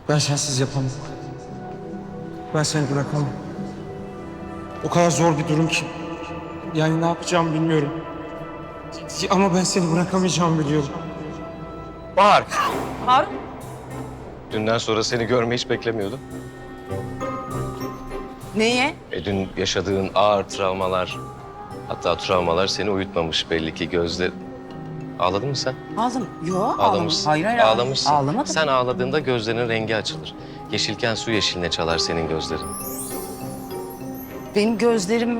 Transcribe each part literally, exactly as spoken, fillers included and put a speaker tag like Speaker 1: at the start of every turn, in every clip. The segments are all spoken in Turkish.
Speaker 1: Ben sensiz yapamam. Ben seni bırakamam. O kadar zor bir durum ki. Yani ne yapacağımı bilmiyorum. Ama ben seni bırakamayacağımı biliyorum.
Speaker 2: Bahar.
Speaker 3: Harun.
Speaker 2: Dünden sonra seni görmeyi hiç beklemiyordum.
Speaker 3: Neye?
Speaker 2: E dün yaşadığın ağır travmalar, hatta travmalar seni uyutmamış belli ki gözle... Ağladın mı sen?
Speaker 3: Ağladım. Yo ağlamadım.
Speaker 2: Ağlamışsın.
Speaker 3: Hayır hayır
Speaker 2: Ağlamışsın.
Speaker 3: ağlamadım.
Speaker 2: Sen ağladığında gözlerinin rengi açılır. Yeşilken su yeşiline çalar senin gözlerin.
Speaker 3: Benim gözlerim...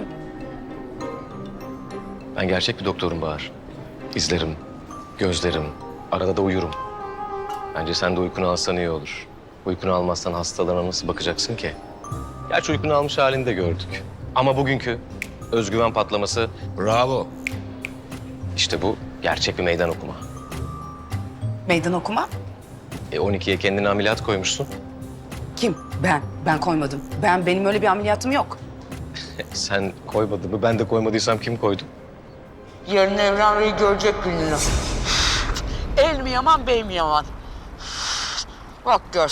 Speaker 2: Ben gerçek bir doktorum Bahar. İzlerim, gözlerim, arada da uyurum. Bence sen de uykunu alsan iyi olur. Uykunu almazsan hastalarına nasıl bakacaksın ki? Gerçi uykunu almış halini de gördük. Ama bugünkü özgüven patlaması bravo. İşte bu gerçek bir meydan okuma.
Speaker 3: Meydan okuma.
Speaker 2: E on ikiye kendini ameliyat koymuşsun.
Speaker 3: Kim? Ben. Ben koymadım. Ben benim öyle bir ameliyatım yok.
Speaker 2: Sen koymadın mı? Ben de koymadıysam kim koydu?
Speaker 4: Yarın Evren Bey'i görecek gününü. El mi yaman, bey mi yaman? Bak gör.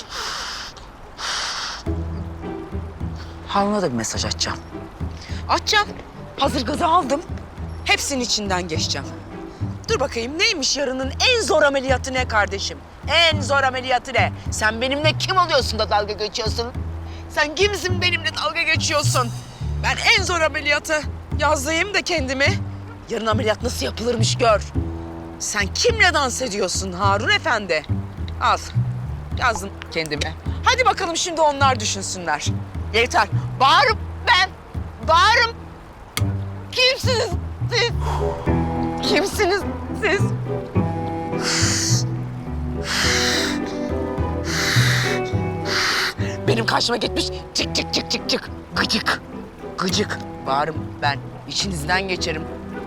Speaker 4: Harun'a da bir mesaj atacağım. Atacağım. Hazır gazı aldım. Hepsinin içinden geçeceğim. Dur bakayım neymiş yarının en zor ameliyatı ne kardeşim? En zor ameliyatı ne? Sen benimle kim oluyorsun da dalga geçiyorsun? Sen kimsin benimle dalga geçiyorsun? Ben en zor ameliyatı yazayım da kendimi. Yarın ameliyat nasıl yapılırmış gör. Sen kimle dans ediyorsun Harun Efendi? Al. Yazdım kendime. Hadi bakalım şimdi onlar düşünsünler. Yeter. Bağırım ben. Bağırım. Kimsiniz siz? Kimsiniz siz? Benim karşıma gitmiş çık çık çık çık çık. Gıcık. Gıcık. Bağırım ben. İçinizden geçerim.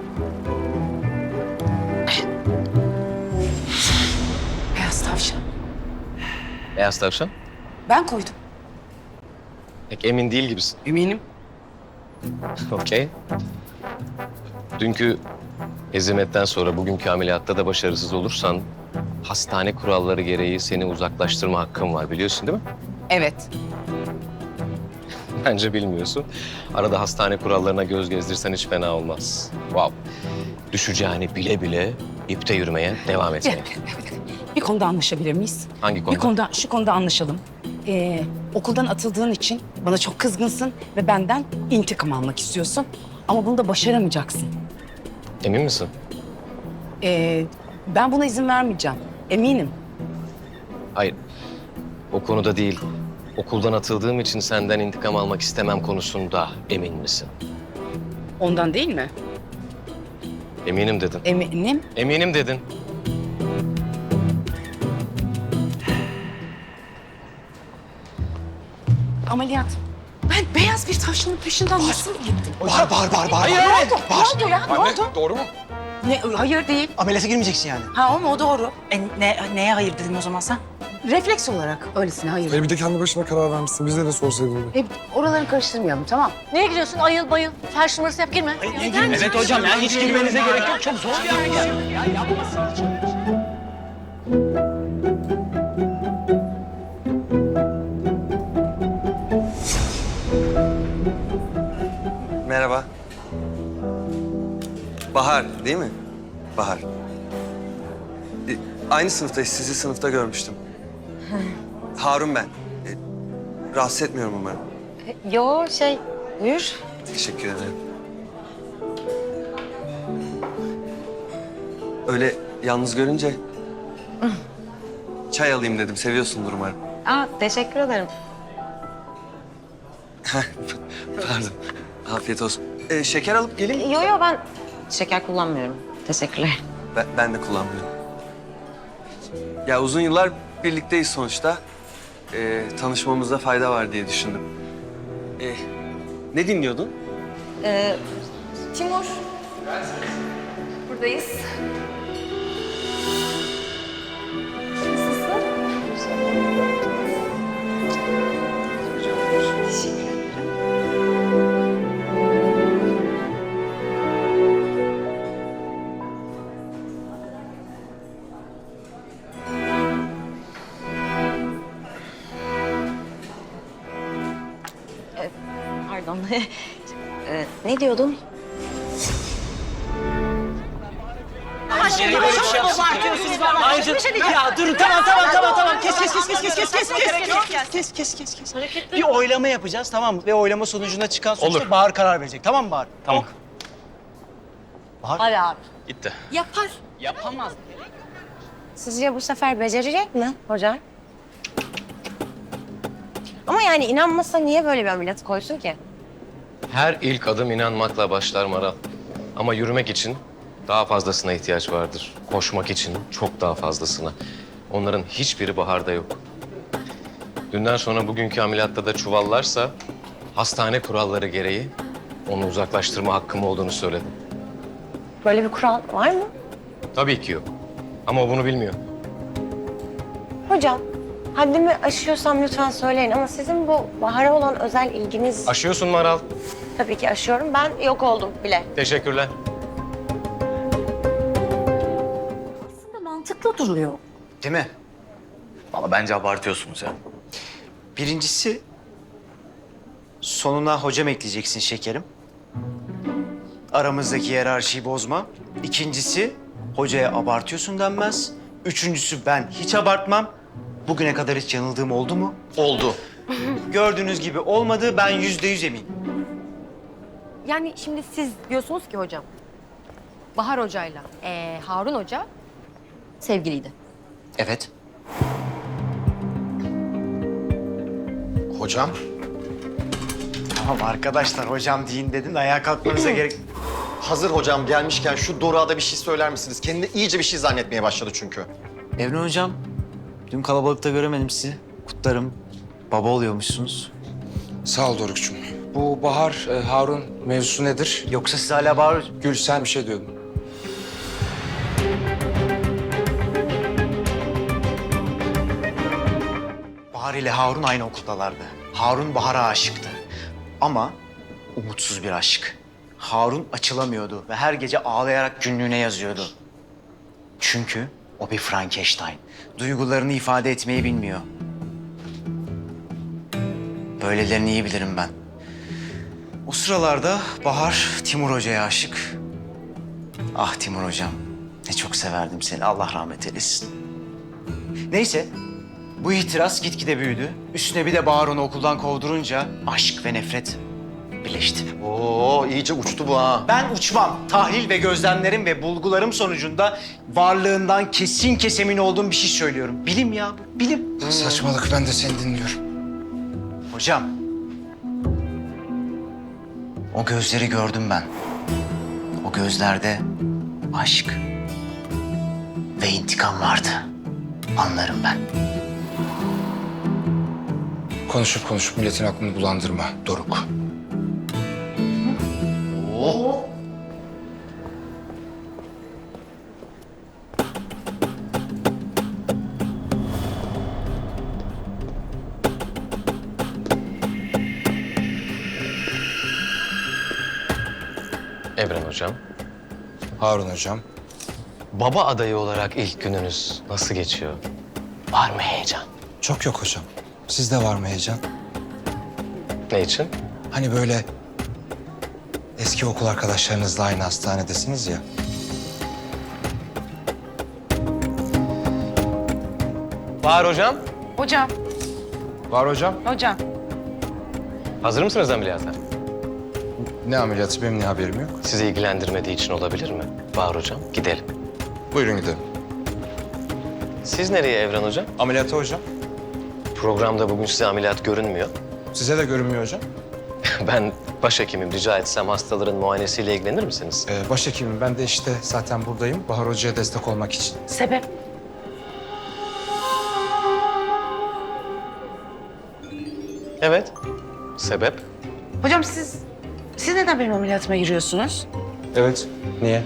Speaker 3: Beyaz tavşan.
Speaker 2: Beyaz tavşan.
Speaker 3: Ben koydum.
Speaker 2: Pek emin değil gibisin.
Speaker 3: Eminim.
Speaker 2: Okey. Dünkü hezimetten sonra bugünkü ameliyatta da başarısız olursan... hastane kuralları gereği seni uzaklaştırma hakkım var biliyorsun değil mi?
Speaker 3: Evet.
Speaker 2: Bence bilmiyorsun. Arada hastane kurallarına göz gezdirsen hiç fena olmaz. Wow. Düşeceğini bile bile ipte yürümeye devam
Speaker 3: Gel,
Speaker 2: etmeye.
Speaker 3: bir konuda anlaşabilir miyiz?
Speaker 2: Hangi konuda?
Speaker 3: Bir konuda, şu konuda anlaşalım. Ee, okuldan atıldığın için bana çok kızgınsın ve benden intikam almak istiyorsun. Ama bunu da başaramayacaksın.
Speaker 2: Emin misin?
Speaker 3: Ee, ben buna izin vermeyeceğim. Eminim.
Speaker 2: Hayır. O konuda değil. Okuldan atıldığım için senden intikam almak istemem konusunda emin misin?
Speaker 3: Ondan değil mi?
Speaker 2: Eminim dedin.
Speaker 3: Eminim.
Speaker 2: Eminim dedin.
Speaker 3: Ameliyat. Ben beyaz bir tavşanın peşinden nasıl gittim?
Speaker 1: Bağır, bağır, bağır, bağır.
Speaker 3: Ne oldu? Ne oldu ya? Ne oldu?
Speaker 1: Doğru mu?
Speaker 3: Ne, hayır değil.
Speaker 1: Ameliyata girmeyeceksin yani.
Speaker 3: Ha o mu? O doğru.
Speaker 5: E, ne, neye hayır dedin o zaman sen?
Speaker 3: Refleks olarak öylesine hayır.
Speaker 6: Hayır bir de kendi başına karar vermişsin. Bize de sorsaydın.
Speaker 3: Hep oraları karıştırmayalım tamam.
Speaker 7: Neye gidiyorsun? Ayıl bayıl. Felç numarası yap girme.
Speaker 1: Evet hocam ya hiç girmenize gerek yok. Çok zor bir yer.
Speaker 8: Merhaba. Bahar değil mi? Bahar. E, aynı sınıftayız. Sizi sınıfta görmüştüm. Harun ben. E, rahatsız etmiyorum umarım.
Speaker 7: Yo şey buyur.
Speaker 8: Teşekkür ederim. Öyle yalnız görünce çay alayım dedim. Seviyorsundur umarım.
Speaker 7: Aa teşekkür ederim.
Speaker 8: Pardon. Afiyet olsun. E, şeker alıp geleyim.
Speaker 7: Yo yo ben şeker kullanmıyorum. Teşekkürler.
Speaker 8: Ben, ben de kullanmıyorum. Ya uzun yıllar birlikteyiz sonuçta. Ee, tanışmamızda fayda var diye düşündüm. Ee, ne dinliyordun?
Speaker 7: Ee, Timur. Buradayız. Ee, ne diyordun?
Speaker 5: Ya durun tamam tamam tamam tamam kes kes kes kes kes kes kes kes kes kes kes kes kes. Bir oylama yapacağız tamam mı? Ve oylama sonucunda çıkan sonuçta
Speaker 2: Olur.
Speaker 5: Bahar karar verecek tamam mı Bahar?
Speaker 2: Tamam.
Speaker 3: Hadi abi.
Speaker 2: Gitti.
Speaker 3: Yapar.
Speaker 5: Yapamaz.
Speaker 7: Sizce bu sefer becerecek mi hocam? Ama yani inanmasa niye böyle bir ameliyat koysun ki?
Speaker 2: Her ilk adım inanmakla başlar Maral. Ama yürümek için daha fazlasına ihtiyaç vardır. Koşmak için çok daha fazlasına. Onların hiçbiri Bahar'da yok. Dünden sonra bugünkü ameliyatta da çuvallarsa hastane kuralları gereği onu uzaklaştırma hakkım olduğunu söyledim.
Speaker 7: Böyle bir kural var mı?
Speaker 2: Tabii ki yok. Ama o bunu bilmiyor.
Speaker 7: Hocam, haddimi aşıyorsam lütfen söyleyin ama sizin bu Bahar'a olan özel ilginiz...
Speaker 2: Aşıyorsun Maral.
Speaker 7: Tabii ki aşıyorum. Ben yok oldum bile.
Speaker 2: Teşekkürler.
Speaker 3: Mantıklı duruyor.
Speaker 9: Değil mi? Valla bence abartıyorsunuz ya. Birincisi, sonuna hocam ekleyeceksin şekerim. Aramızdaki hiyerarşiyi bozma. İkincisi, hocaya abartıyorsun denmez. Üçüncüsü, ben hiç abartmam. Bugüne kadar hiç yanıldığım oldu mu? Oldu. Gördüğünüz gibi olmadı, ben yüzde yüz eminim.
Speaker 10: Yani şimdi siz diyorsunuz ki hocam, Bahar Hoca'yla ee, Harun Hoca sevgiliydi.
Speaker 9: Evet.
Speaker 6: Hocam.
Speaker 9: Tamam arkadaşlar, hocam deyin dedin de ayağa kalkmanıza gerek...
Speaker 11: Hazır hocam gelmişken şu Doruk'a da bir şey söyler misiniz? Kendini iyice bir şey zannetmeye başladı çünkü.
Speaker 9: Evren hocam, dün kalabalıkta göremedim sizi. Kutlarım. Baba oluyormuşsunuz.
Speaker 1: Sağ ol Doruk'cum. Bu Bahar, e, Harun mevzusu nedir?
Speaker 9: Yoksa siz hala bağır...
Speaker 1: Gül sen bir şey diyordun.
Speaker 9: Bahar ile Harun aynı okuldalardı. Harun Bahar'a aşıktı. Ama umutsuz bir aşk. Harun açılamıyordu ve her gece ağlayarak günlüğüne yazıyordu. Çünkü o bir Frankenstein. Duygularını ifade etmeyi bilmiyor. Böylelerini iyi bilirim ben. O sıralarda Bahar Timur Hoca'ya aşık. Ah Timur Hocam, ne çok severdim seni. Allah rahmet eylesin. Neyse, bu itiraz gitgide büyüdü. Üstüne bir de Bahar onu okuldan kovdurunca aşk ve nefret birleşti.
Speaker 11: Oo iyice uçtu bu ha.
Speaker 9: Ben uçmam. Tahlil ve gözlemlerim ve bulgularım sonucunda varlığından kesin kes emin olduğum bir şey söylüyorum. Bilim ya bu, bilim.
Speaker 1: Saçmalık, ben de seni dinliyorum.
Speaker 9: Hocam, o gözleri gördüm ben. O gözlerde aşk ve intikam vardı. Anlarım ben.
Speaker 1: Konuşup konuşup milletin aklını bulandırma Doruk.
Speaker 2: Evren Hocam,
Speaker 1: Harun hocam.
Speaker 2: baba adayı olarak ilk gününüz nasıl geçiyor? Var mı heyecan?
Speaker 1: Çok yok hocam. Sizde var mı heyecan?
Speaker 2: Ne için?
Speaker 1: Hani böyle eski okul arkadaşlarınızla aynı hastanedesiniz ya.
Speaker 2: Bahar Hocam,
Speaker 5: Hocam,
Speaker 1: Var hocam.
Speaker 5: hocam.
Speaker 2: hazır mısınız ameliyata?
Speaker 1: Ne ameliyatı, benim ne haberim yok.
Speaker 2: Sizi ilgilendirmediği için olabilir mi? Bahar Hocam, gidelim.
Speaker 1: Buyurun gidelim.
Speaker 2: Siz nereye Evren Hocam?
Speaker 1: Ameliyata hocam.
Speaker 2: Programda bugün size ameliyat görünmüyor.
Speaker 1: Size de görünmüyor hocam.
Speaker 2: Ben başhekimim, rica etsem hastaların muayenesiyle ilgilenir misiniz?
Speaker 1: Ee, başhekimim, ben de işte zaten buradayım. Bahar Hoca'ya destek olmak için.
Speaker 3: Sebep?
Speaker 2: Evet. Sebep?
Speaker 3: Hocam siz, siz neden benim ameliyatıma giriyorsunuz?
Speaker 1: Evet. Niye?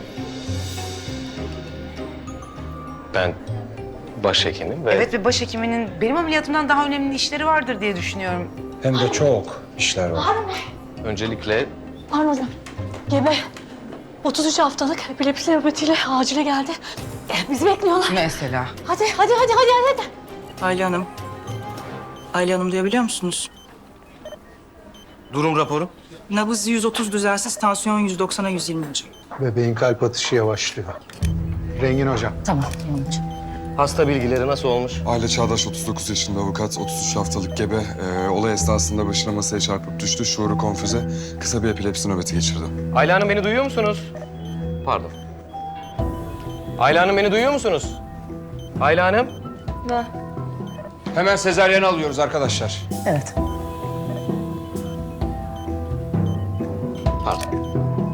Speaker 2: Ben başhekimim ve...
Speaker 5: Evet ve başhekiminin benim ameliyatımdan daha önemli işleri vardır diye düşünüyorum.
Speaker 1: Hem de çok işler var.
Speaker 2: Öncelikle
Speaker 10: Harun Hocam, gebe. otuz üç haftalık epilepsi nöbetiyle acile geldi. Bizi bekliyorlar.
Speaker 3: Mesela.
Speaker 10: Hadi, hadi, hadi, hadi, hadi.
Speaker 5: Ayla Hanım. Ayla Hanım duyabiliyor musunuz?
Speaker 2: Durum raporu.
Speaker 5: Nabız yüz otuz düzensiz, tansiyon yüz doksana yüz yirmi hocam.
Speaker 6: Bebeğin kalp atışı yavaşlıyor. Rengin hocam.
Speaker 3: Tamam, tamam hocam.
Speaker 2: Hasta bilgileri nasıl olmuş?
Speaker 6: Aile Çağdaş otuz dokuz yaşında avukat, otuz üç haftalık gebe. Ee, olay esnasında başına masaya çarpıp düştü. Şuuru konfüze. Kısa bir epilepsi nöbeti geçirdi.
Speaker 2: Ayla Hanım beni duyuyor musunuz? Pardon. Ayla Hanım beni duyuyor musunuz? Ayla Hanım.
Speaker 1: Hemen sezaryen alıyoruz arkadaşlar.
Speaker 3: Evet.
Speaker 2: Pardon.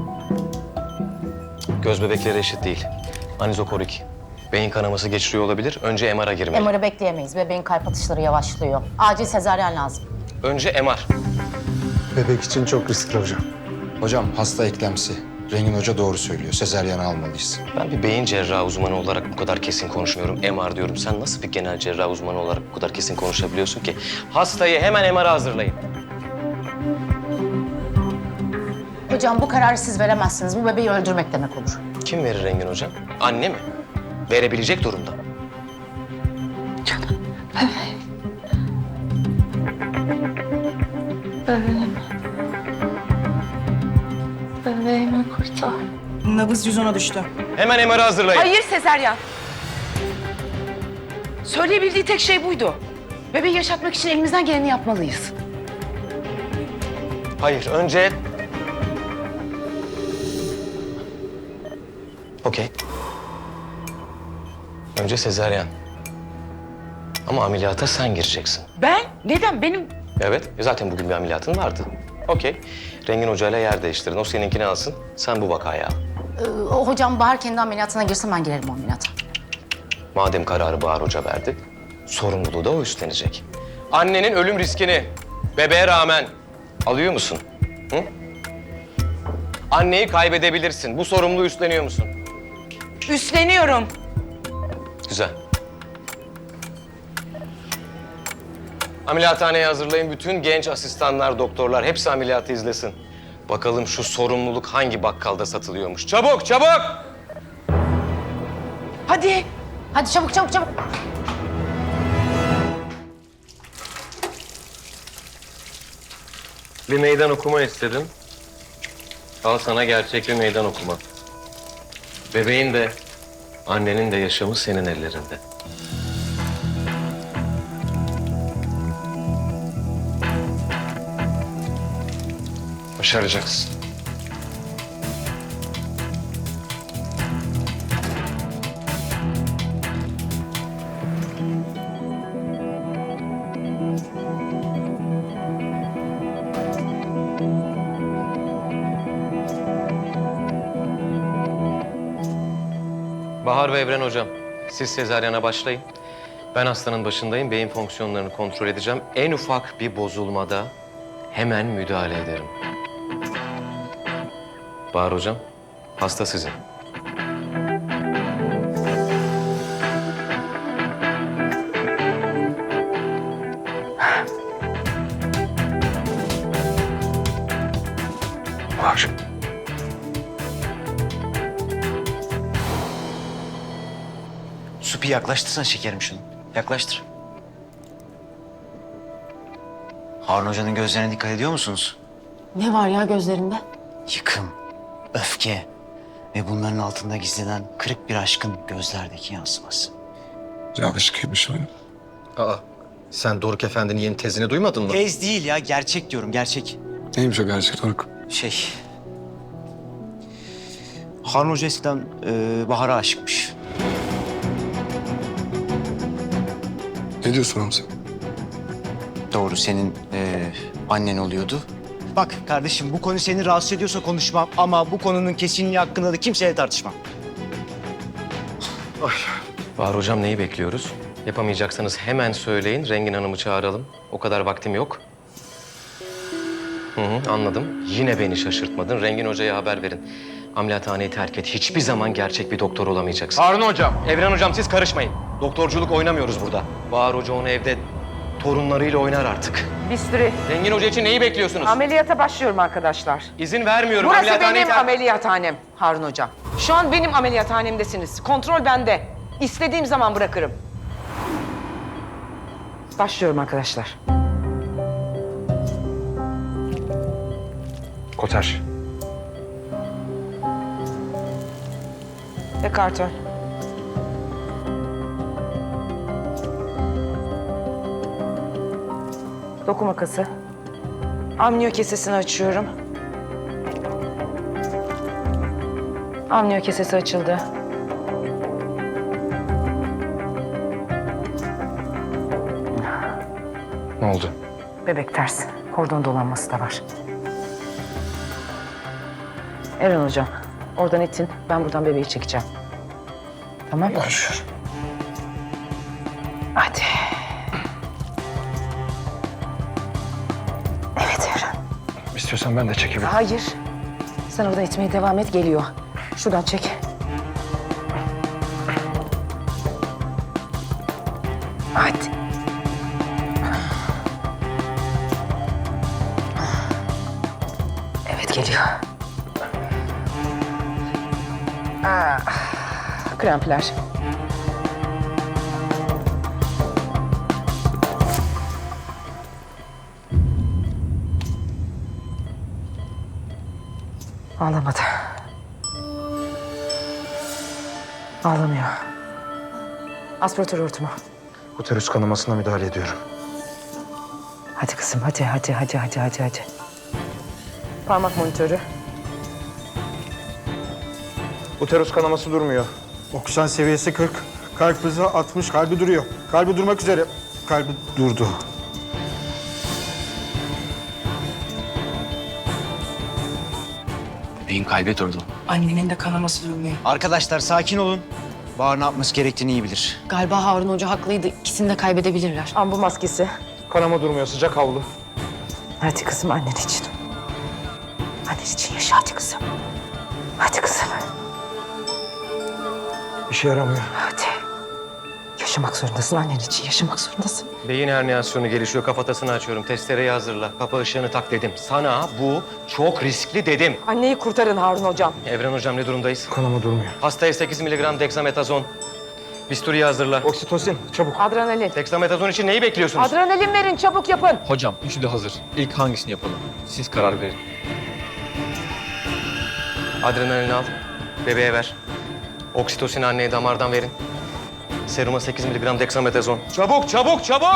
Speaker 2: Göz bebekleri eşit değil. Anizokorik. Beyin kanaması geçiriyor olabilir. Önce M R'a girmeli.
Speaker 12: M R'ı bekleyemeyiz. Bebeğin kalp atışları yavaşlıyor. Acil sezaryen lazım.
Speaker 2: Önce M R.
Speaker 6: Bebek için çok riskli hocam.
Speaker 13: Hocam hasta eklemsi. Rengin Hoca doğru söylüyor. Sezaryen almalıyız.
Speaker 2: Ben bir beyin cerrahı uzmanı olarak bu kadar kesin konuşmuyorum. M R diyorum. Sen nasıl bir genel cerrah uzmanı olarak bu kadar kesin konuşabiliyorsun ki? Hastayı hemen M R'a hazırlayın.
Speaker 12: Hocam bu kararı siz veremezsiniz. Bu bebeği öldürmek demek olur.
Speaker 2: Kim verir Rengin Hocam? Anne mi? Verebilecek durumda.
Speaker 7: Bebeğimi kurtar.
Speaker 5: Nabız yüz ona düştü.
Speaker 2: Hemen M R'ı hazırlayın.
Speaker 4: Hayır sezaryen. Söyleyebildiği tek şey buydu.
Speaker 3: Bebeği yaşatmak için elimizden geleni yapmalıyız.
Speaker 2: Hayır, önce... Okey. Önce sezaryen. Ama ameliyata sen gireceksin.
Speaker 4: Ben? Neden? Benim...
Speaker 2: Evet, zaten bugün bir ameliyatın vardı. Okey. Rengin Hoca'yla yer değiştirin. O seninkini alsın, sen bu vakayı al.
Speaker 12: Ee, o hocam Bahar kendi ameliyatına girse ben girerim o ameliyata.
Speaker 2: Madem kararı Bahar Hoca verdi, sorumluluğu da o üstlenecek. Annenin ölüm riskini bebeğe rağmen alıyor musun? Hı? Anneyi kaybedebilirsin. Bu sorumluluğu üstleniyor musun?
Speaker 4: Üstleniyorum.
Speaker 2: Güzel. Ameliyathaneye hazırlayın. Bütün genç asistanlar, doktorlar hepsi ameliyatı izlesin. Bakalım şu sorumluluk hangi bakkalda satılıyormuş. Çabuk, çabuk!
Speaker 4: Hadi.
Speaker 12: Hadi çabuk çabuk çabuk.
Speaker 2: Bir meydan okuma istedim. Al sana gerçek bir meydan okuma. Bebeğin de, annenin de yaşamı senin ellerinde.
Speaker 6: Başaracaksın.
Speaker 2: Bahar ve Evren hocam, siz sezaryana başlayın. Ben hastanın başındayım, beyin fonksiyonlarını kontrol edeceğim. En ufak bir bozulmada hemen müdahale ederim. Bahar hocam, hasta sizin.
Speaker 6: Var.
Speaker 9: Supi yaklaştırsana şekerim şunu. Yaklaştır. Harun Hoca'nın gözlerine dikkat ediyor musunuz?
Speaker 12: Ne var ya gözlerinde?
Speaker 9: Yıkım, öfke ve bunların altında gizlenen kırık bir aşkın gözlerdeki yansıması.
Speaker 6: Yanlışlıkıymış o.
Speaker 11: Aa, sen Doruk Efendi'nin yeni tezini duymadın mı?
Speaker 9: Tez değil ya, gerçek diyorum, gerçek.
Speaker 6: Neymiş o gerçek Doruk?
Speaker 9: Şey... Harun Hoca eskiden e, Bahar'a aşıkmış.
Speaker 6: Ne diyorsun oğlum sen?
Speaker 9: Doğru, senin e, annen oluyordu. Bak kardeşim, bu konu seni rahatsız ediyorsa konuşmam ama bu konunun kesinliği hakkında da kimseyle tartışmam.
Speaker 2: Bahar hocam neyi bekliyoruz? Yapamayacaksanız hemen söyleyin, Rengin Hanım'ı çağıralım. O kadar vaktim yok. Hı hı, anladım. Yine beni şaşırtmadın. Rengin Hoca'ya haber verin. Ameliyathaneyi terk et. Hiçbir zaman gerçek bir doktor olamayacaksın.
Speaker 1: Harun hocam.
Speaker 2: Evren hocam siz karışmayın. Doktorculuk oynamıyoruz burada. Bahar Hoca onu evde torunlarıyla oynar artık.
Speaker 4: Bistri.
Speaker 2: Rengin Hoca için neyi bekliyorsunuz?
Speaker 4: Ameliyata başlıyorum arkadaşlar.
Speaker 2: İzin vermiyorum.
Speaker 4: Burası
Speaker 2: Ameliyathaneyi
Speaker 4: benim
Speaker 2: ter-
Speaker 4: ameliyathanem Harun Hocam. Şu an benim ameliyathanemdesiniz. Kontrol bende. İstediğim zaman bırakırım. Başlıyorum arkadaşlar.
Speaker 1: Koter.
Speaker 4: Ve karton. Doku makası. Amniyo kesesini açıyorum. Amniyo kesesi açıldı.
Speaker 1: Ne oldu?
Speaker 4: Bebek ters. Kordon dolanması da var. Eren hocam, oradan itin. Ben buradan bebeği çekeceğim. Tamam mı?
Speaker 1: Konuşuyorum.
Speaker 4: Hadi. Evet Eren.
Speaker 1: İstiyorsan ben de çekebilirim.
Speaker 4: Hayır. Sen oradan itmeye devam et. Geliyor. Şuradan çek. Hadi. Evet geliyor. Ah, krampler. Ağlamadı. Ağlamıyor. Aspiratör örtümü.
Speaker 1: Uterus kanamasına müdahale ediyorum.
Speaker 4: Hadi kızım, hadi, hadi, hadi, hadi, hadi, hadi. Parmak monitörü.
Speaker 1: Uterus kanaması durmuyor.
Speaker 14: Oksijen seviyesi kırk. Kalp hızı altmış. Kalbi duruyor. Kalbi durmak üzere. Kalbi durdu.
Speaker 9: Bebeğin kalbi durdu.
Speaker 3: Annenin de kanaması durmuyor.
Speaker 9: Arkadaşlar sakin olun. Bahar ne yapması gerektiğini iyi bilir.
Speaker 12: Galiba Harun Hoca haklıydı. İkisini de kaybedebilirler.
Speaker 4: Ambu maskesi.
Speaker 1: Kanama durmuyor. Sıcak havlu.
Speaker 4: Hadi kızım annen için. Annen için yaşa hadi kızım. Hadi kızım.
Speaker 1: İşe yaramıyor.
Speaker 4: Hadi. Yaşamak zorundasın annen için. Yaşamak zorundasın.
Speaker 2: Beyin herniyasyonu gelişiyor. Kafatasını açıyorum. Testereyi hazırla. Kapı ışığını tak dedim. Sana bu çok riskli dedim.
Speaker 4: Anneyi kurtarın Harun hocam.
Speaker 2: Evren hocam ne durumdayız?
Speaker 1: Kanama durmuyor.
Speaker 2: Hastaya sekiz miligram dexametazon. Bisturiyi hazırla.
Speaker 1: Oksitosin çabuk.
Speaker 4: Adrenalin.
Speaker 2: Dexametazon için neyi bekliyorsunuz?
Speaker 4: Adrenalin verin çabuk yapın.
Speaker 15: Hocam üçü de hazır. İlk hangisini yapalım? Siz karar verin.
Speaker 2: Adrenalini al. Bebeğe ver. Oksitosin anneye damardan verin. Seruma sekiz miligram dexametazon. Çabuk, çabuk, çabuk!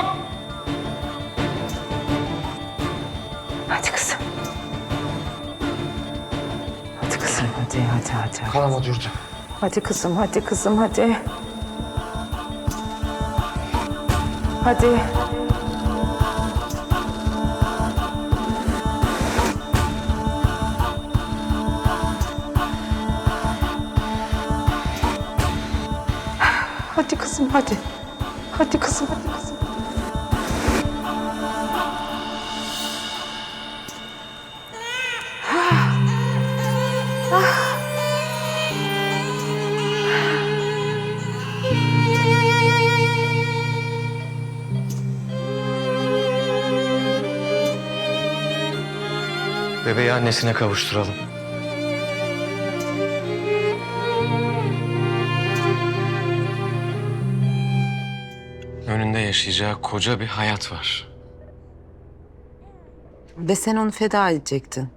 Speaker 4: Hadi kızım. Hadi kızım hadi hadi hadi.
Speaker 1: Kanama durdu.
Speaker 4: Hadi kızım hadi kızım hadi. Hadi. Hadi kızım hadi. Hadi kızım hadi kızım.
Speaker 2: Bebeği annesine kavuşturalım. Önünde yaşayacağı koca bir hayat var.
Speaker 4: Ve sen onu feda edecektin.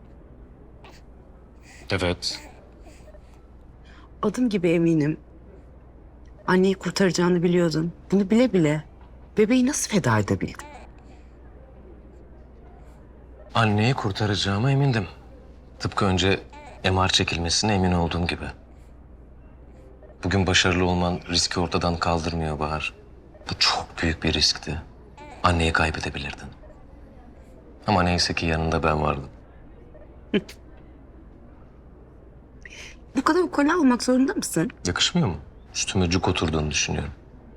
Speaker 2: Evet.
Speaker 3: Adım gibi eminim. Anneyi kurtaracağını biliyordun. Bunu bile bile bebeği nasıl feda edebildin?
Speaker 2: Anneyi kurtaracağıma emindim. Tıpkı önce M R çekilmesine emin olduğum gibi. Bugün başarılı olman riski ortadan kaldırmıyor Bahar. Bu çok büyük bir riskti. Anneyi kaybedebilirdin. Ama neyse ki yanında ben vardım.
Speaker 3: Bu kadar ukala olmak zorunda mısın?
Speaker 2: Yakışmıyor mu? Üstüme cuk oturduğunu düşünüyorum.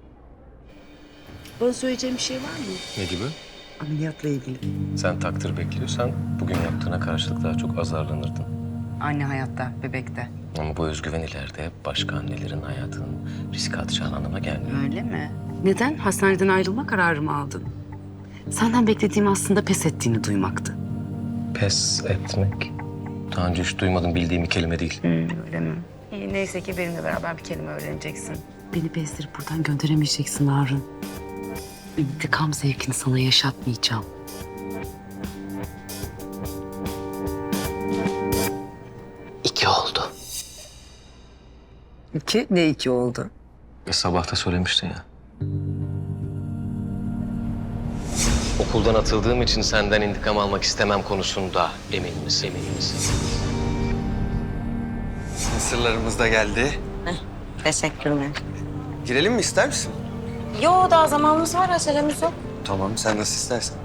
Speaker 3: Bana söyleyeceğim bir şey var mı?
Speaker 2: Ne gibi?
Speaker 3: Ameliyatla ilgili.
Speaker 2: Sen takdir bekliyorsan bugün yaptığına karşılık daha çok azarlanırdın.
Speaker 3: Anne hayatta, bebekte.
Speaker 2: Ama bu özgüven ileride başka annelerin hayatının riske atacağın anlama gelmiyor.
Speaker 3: Öyle mi? Neden? Hastaneden ayrılma kararı mı aldın? Senden beklediğim aslında pes ettiğini duymaktı.
Speaker 2: Pes etmek. Daha önce hiç duymadım, bildiğim bir kelime değil.
Speaker 3: Hmm, öyle mi? İyi, neyse ki benimle beraber bir kelime öğreneceksin. Beni bezdirip buradan gönderemeyeceksin Harun. İntikam zevkini sana yaşatmayacağım.
Speaker 4: İki, ne iki oldu?
Speaker 2: E, sabah da söylemiştin ya. Okuldan atıldığım için senden intikam almak istemem konusunda emin misin? Emin misin?
Speaker 8: Mısırlarımız da geldi.
Speaker 7: Teşekkürler.
Speaker 8: Girelim mi, ister misin?
Speaker 7: Yo, daha zamanımız var, acelemiz yok.
Speaker 8: Tamam, sen nasıl istersen.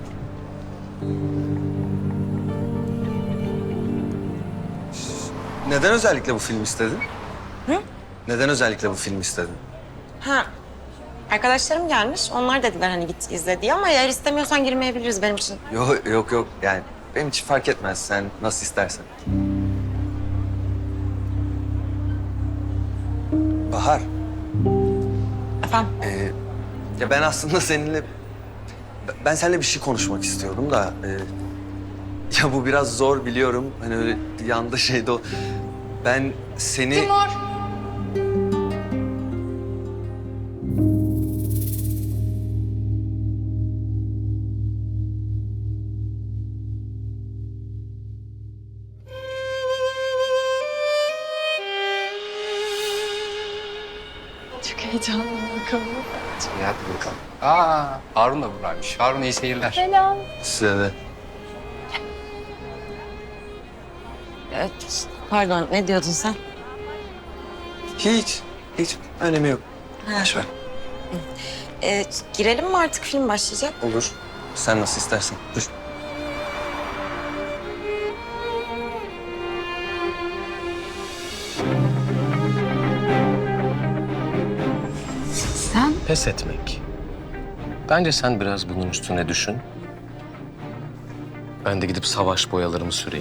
Speaker 8: Neden özellikle bu film istedin?
Speaker 7: Hı?
Speaker 8: Neden özellikle bu film istedin?
Speaker 7: Ha, arkadaşlarım gelmiş. Onlar dediler hani git izle diye ama eğer istemiyorsan girmeyebiliriz benim için.
Speaker 8: Yok yok yok, yani benim için fark etmez. Sen nasıl istersen. Bahar.
Speaker 7: Efendim?
Speaker 8: Ee, ya ben aslında seninle... Ben seninle bir şey konuşmak istiyordum da... e, ya bu biraz zor biliyorum. Hani öyle yanda şeyde o... Ben seni...
Speaker 12: Timur!
Speaker 10: Çok heyecanlı bakalım.
Speaker 13: İyi, hadi bakalım. Aa, Harun da buradaymış. Harun, iyi seyirler.
Speaker 10: Selam.
Speaker 8: Size de.
Speaker 7: Evet, pardon, ne diyordun sen?
Speaker 8: Hiç, hiç önemi yok. Boş ver.
Speaker 7: Ee, girelim mi artık, film başlayacak?
Speaker 8: Olur. Sen nasıl istersen. Dur.
Speaker 3: Sen
Speaker 2: Pes etmek. Bence sen biraz bunun üstüne düşün. Ben de gidip savaş boyalarımı süreyim.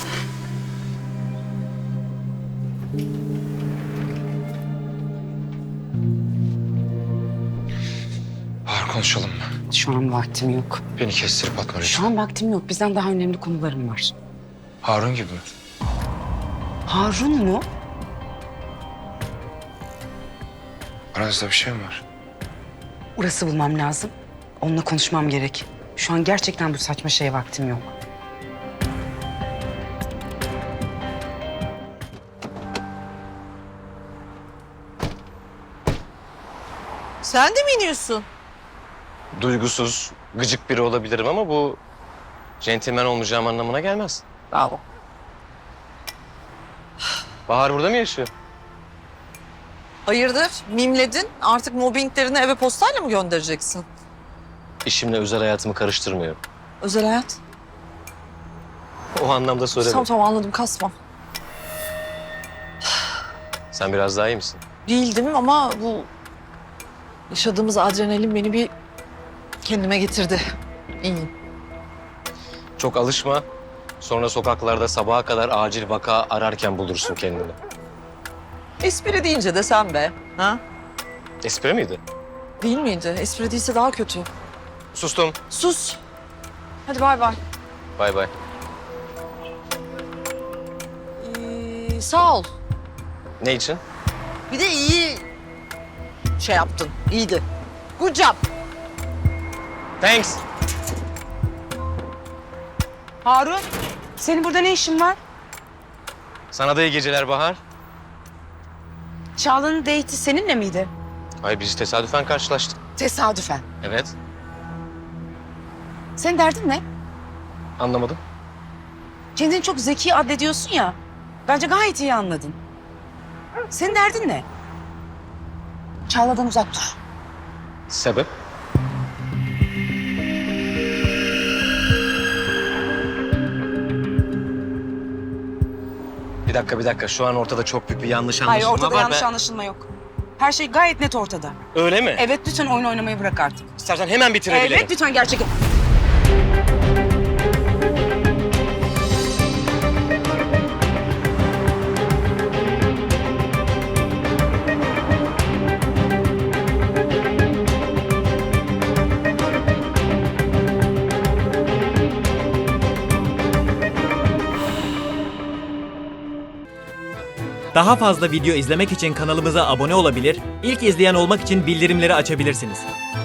Speaker 13: Bahar, konuşalım mı?
Speaker 3: şu an vaktim yok.
Speaker 13: Beni kestirip atma lütfen.
Speaker 3: Şu an vaktim yok. Bizden daha önemli konularım var.
Speaker 13: Harun gibi mi?
Speaker 3: Harun mu?
Speaker 13: Aranızda bir şey mi var?
Speaker 3: Uras'ı bulmam lazım. Onunla konuşmam gerek. Şu an gerçekten bu saçma şeye vaktim yok.
Speaker 4: Sen de mi iniyorsun?
Speaker 2: Duygusuz, gıcık biri olabilirim ama bu... centilmen olmayacağım anlamına gelmez.
Speaker 4: Bravo.
Speaker 2: Bahar burada mı yaşıyor?
Speaker 4: Hayırdır? Mimledin. Artık mobbinglerini eve postayla mı göndereceksin?
Speaker 2: İşimle özel hayatımı karıştırmıyorum.
Speaker 4: Özel hayat.
Speaker 2: O anlamda söylemedim.
Speaker 4: Tamam tamam anladım, kasma.
Speaker 2: Sen biraz daha iyi misin?
Speaker 4: Değildim ama bu yaşadığımız adrenalin beni bir kendime getirdi. İyiyim.
Speaker 2: Çok alışma. Sonra sokaklarda sabaha kadar acil vaka ararken bulursun kendini.
Speaker 4: Espri deyince de sen be. Ha?
Speaker 2: Espri miydi?
Speaker 4: Değil miydi? Espri değilse daha kötü.
Speaker 2: Sustum.
Speaker 4: Sus. Hadi bay bay.
Speaker 2: Bay bay.
Speaker 4: Ee, sağ ol.
Speaker 2: Ne için?
Speaker 4: Bir de iyi şey yaptın. İyiydi. Good job.
Speaker 2: Thanks.
Speaker 3: Harun, senin burada ne işin var?
Speaker 2: Sana da iyi geceler Bahar.
Speaker 3: Çağla'nın date'i seninle miydi?
Speaker 2: Hayır, biz tesadüfen karşılaştık.
Speaker 3: Tesadüfen.
Speaker 2: Evet.
Speaker 3: Senin derdin ne?
Speaker 2: Anlamadım.
Speaker 3: Kendini çok zeki addediyorsun ya. Bence gayet iyi anladın. Senin derdin ne? Çağla'dan uzak dur.
Speaker 2: Sebep? Bir dakika, bir dakika. Şu an ortada çok büyük bir yanlış
Speaker 3: Hayır,
Speaker 2: anlaşılma
Speaker 3: ortada
Speaker 2: var.
Speaker 3: yanlış
Speaker 2: ve-
Speaker 3: anlaşılma yok. Her şey gayet net ortada.
Speaker 2: Öyle mi?
Speaker 3: Evet, lütfen oyun oynamayı bırak artık.
Speaker 2: İstersen hemen bitirebilirim.
Speaker 3: Evet, lütfen gerçekten.
Speaker 16: Daha fazla video izlemek için kanalımıza abone olabilir, ilk izleyen olmak için bildirimleri açabilirsiniz.